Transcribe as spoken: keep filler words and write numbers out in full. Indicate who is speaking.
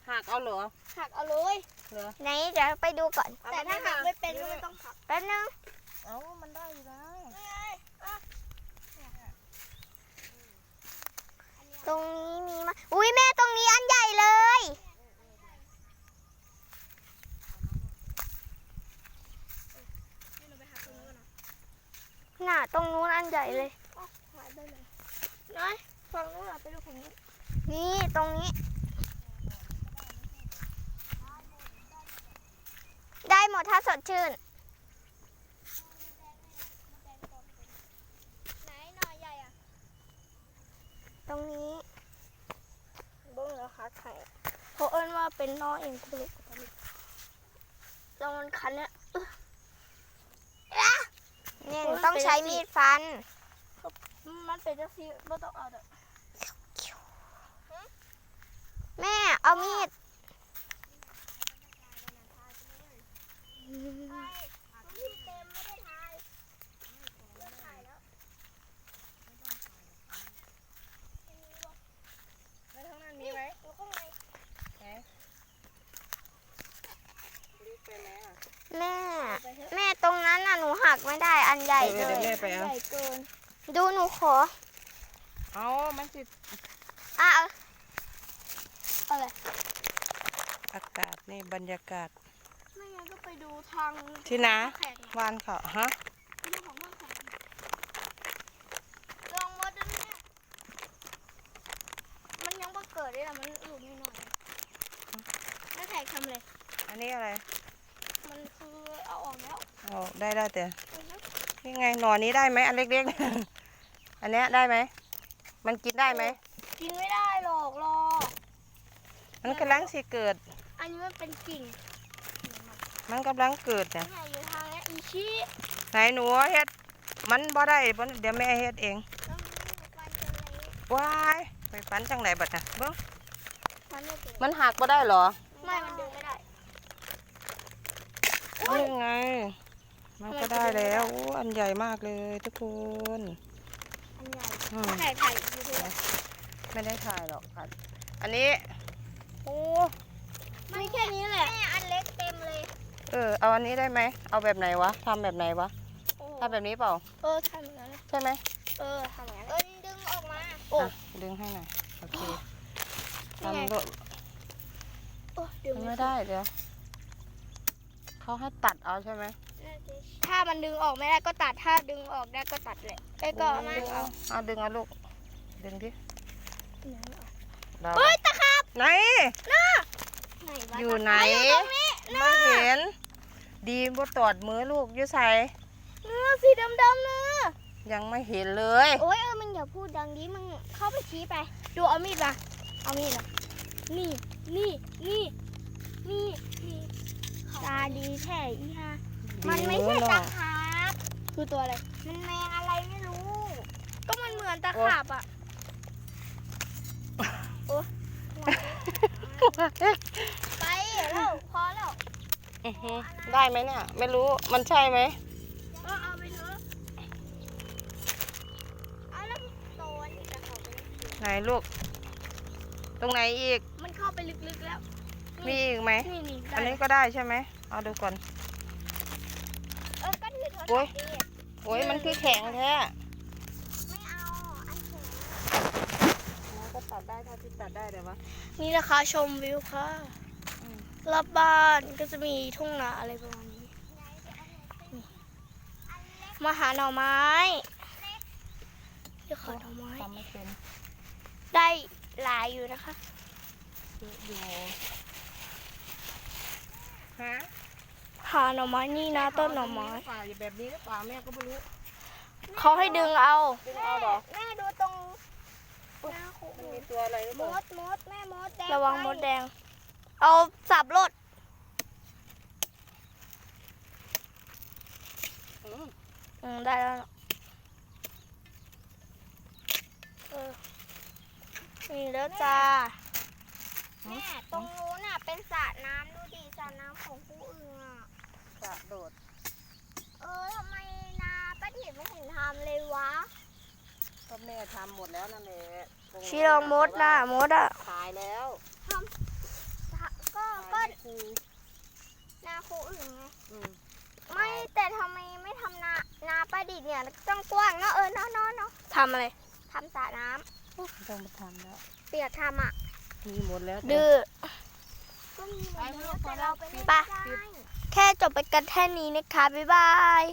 Speaker 1: หักเอาเหรอ
Speaker 2: หักเอาเลยเหรอไหนเดี๋ยวไปดูก่อนแต่ถ้าหักไม่เป็นก็ไม่ต้องหักแป๊บนึง
Speaker 1: เอ้ามันได้อยู่แล้ว
Speaker 2: ตรงนี้มีมาอุ้ยแม่ตรงนี้อันใหญ่เลยน่ะตรงนู้นอันใหญ่เลยหายไปเลยน้อยฝั่งนู้นไปดูฝั่งนี้นี่ตรงนี้ได้หมดถ้าสดชื่นไหนหน่อใหญ่อะตรงนี้เบิ้งแล้วค่ะไข่เพราะเอิ้นว่าเป็นน้อเองคุณลูกลองมันคันเนี่ยเนี่ยต้องใช้มีดฟันมันเป็นจังซี่ไม่ต้องเอาเด้อแม่เอามีดพี่เต็มไม่ได้ถ่ายเลิกถ่ายแล้วแล้วข้างนั้นมีไหมอยู่ข้างในไหนแม่แม่ตรงนั้นน่ะหนูหักไม่ได้อันใหญ่เลยใหญ่เกินดูหนูขอ
Speaker 1: เอามันสิ
Speaker 2: อ่ะอะไร
Speaker 1: อากาศนี่บรรยากาศ
Speaker 2: ไม่งั้นก็ไปดูทาง
Speaker 1: ที่นะวานเขาฮะ
Speaker 2: ไปดูของว่านเขาลองมดด้วยแม่มันยังไม่เกิดเลยนะมันอยู่นิดหน่อยแล้วแขกทำเลย
Speaker 1: อันนี้อะไร
Speaker 2: มันคือเอาออกแล้ว
Speaker 1: อ๋อได้ได้แต่นี่ไงหน่อนี้ได้ไหมอันเล็กๆอันเนี้ยได้ไหมมันกินได้ไหม
Speaker 2: กินไม่ได้หรอกรอ
Speaker 1: มันกำลังสิเกิด
Speaker 2: อันนี้มันเป็นกิ่ง
Speaker 1: มันกำลังเกิดเนี่ย
Speaker 2: อยู่ทางนี้อีชี้
Speaker 1: ไหนหนูเฮ็ดมันบ่ได้เดี๋ยวแม่เฮ็ดเองว้ายไปฟันจังไหนบัดน่ะเบิ้งมันหักบ่ได้หรอ
Speaker 2: ไม่มันดึงไม่ได้
Speaker 1: นี่ไงมันก็ได้แล้วโอ้อันใหญ่มากเลยทุกคน
Speaker 2: อันใหญ่ถ่ายถ่ายดูดู
Speaker 1: ไม่ได้ถ่ายหรอกค่ะอันนี้โอ้
Speaker 2: มีแค่นี้แหละแม่อันเล็กเต็มเลย
Speaker 1: เออเอาอันนี้ได้ไหมเอาแบบไหนวะทำแบบไหนวะทำแบบนี้เปล่า
Speaker 2: เออทำอย่างนั้น
Speaker 1: ใช่ไหม
Speaker 2: เออทำอย่างนั้นเออดึงออกมาโอ้
Speaker 1: ดึงให้หน่อยโอเคทำก็ไม่ได้เดี๋ยวเขาให้ตัดเอาใช่ไหม
Speaker 2: ถ้ามันดึงออกไม่ได้ก็ตัดถ้าดึงออกได้ก็ตัดแหละไอ้ก็มาเอา
Speaker 1: เอาดึงเอาลูกดึงดิ
Speaker 2: เฮ้ยตะขาบ
Speaker 1: ไหน
Speaker 2: น่ะ
Speaker 1: อยู่ไหนไม่เห็นดีบ่ตอดมือลูกอยู่ใส่
Speaker 2: เนื้อสีดำๆเนื้อ
Speaker 1: ยังไม่เห็นเลย
Speaker 2: โอ้ยเออมึงอย่าพูดดังดิมึงเข้าไปชี้ไปดูเอามีดมาเอามีดมานี่นี่นี่นี่นี่ตาดีแท้อีห่ามันไม่ใช่ตะขาบคือตัวอะไรมันแมงอะไรไม่รู้ก็มันเหมือนตะขาบอ่ะโอ้ไปแล้วพอแล้ว
Speaker 1: ได้ไหมเนี่ยไม่รู้มันใช่ไหม
Speaker 2: ก็เอาไปเถอะเอาแล้วโตนี่จะเข้าไป
Speaker 1: ไหนลูกตรงไหนอีก
Speaker 2: มันเข้าไปลึกๆแล้ว
Speaker 1: มีอีกไหมอันนี้ก็ได้ใช่ไหมเอาดูก่อน
Speaker 2: เออก็ถือ
Speaker 1: โอ้ยโอ้ยมันคือแข็งแท้
Speaker 2: ไม่เอาอันแข็ง
Speaker 1: ก็ตัดได้ถ้าที่ตัดได้เดี๋ยววะ
Speaker 2: นี่นะคะชมวิวค่ะรอบบ้านก็จะมีทุ่งนาอะไรประมาณนี้มาหาหน่อไม้ที่ขอหน่อไม้ได้หลายอยู่นะคะ
Speaker 1: อยู่ฮะ
Speaker 2: หาหน่อไม้นี่นะต้นหน่อไม้
Speaker 1: แบบนี้หรือเปล่าแม่ก็ไม่รู้
Speaker 2: เขาให้ดึงเอา
Speaker 1: ดึงเอาหรอ
Speaker 2: แม่ดูตรง
Speaker 1: มันมีตัวอะไรหรือเปล่าม
Speaker 2: ดมดแม่มดแดงระวังมดแดงเอาสับรถอืมได้แล้วเออนี่แล้วจ้าแม่ตรงนู้นน่ะเป็นสระน้ำดูดิสระน้ำของผู้อื่นอ่ะ
Speaker 1: สระโดด
Speaker 2: เออทำไมนาป้าถิ่นไม่เห็นทำเลยวะ
Speaker 1: ก็แม่ทำหมดแล้วนั่นแหละ
Speaker 2: ชีลองมดนะมดอ่ะ
Speaker 1: ขายแล้ว
Speaker 2: ทำ
Speaker 1: ครู
Speaker 2: นาคูอื่นไง
Speaker 1: อืม
Speaker 2: ไม่แต่ทำไมไม่ทำนานาประดิษฐ์เนี่ยต้องกว้างเนาะเออเนาะเนาะเนาะทำอะไรทำสระน้
Speaker 1: ต้องมาทำแล้ว
Speaker 2: ำเปียกทำอ่ะ
Speaker 1: มีหมดแล้ว
Speaker 2: ดื้อ
Speaker 1: ไปลูก
Speaker 2: แต่เราไปเล่น
Speaker 1: ไป
Speaker 2: ได้แค่จบไปกันแค่นี้นะคะบ๊ายบาย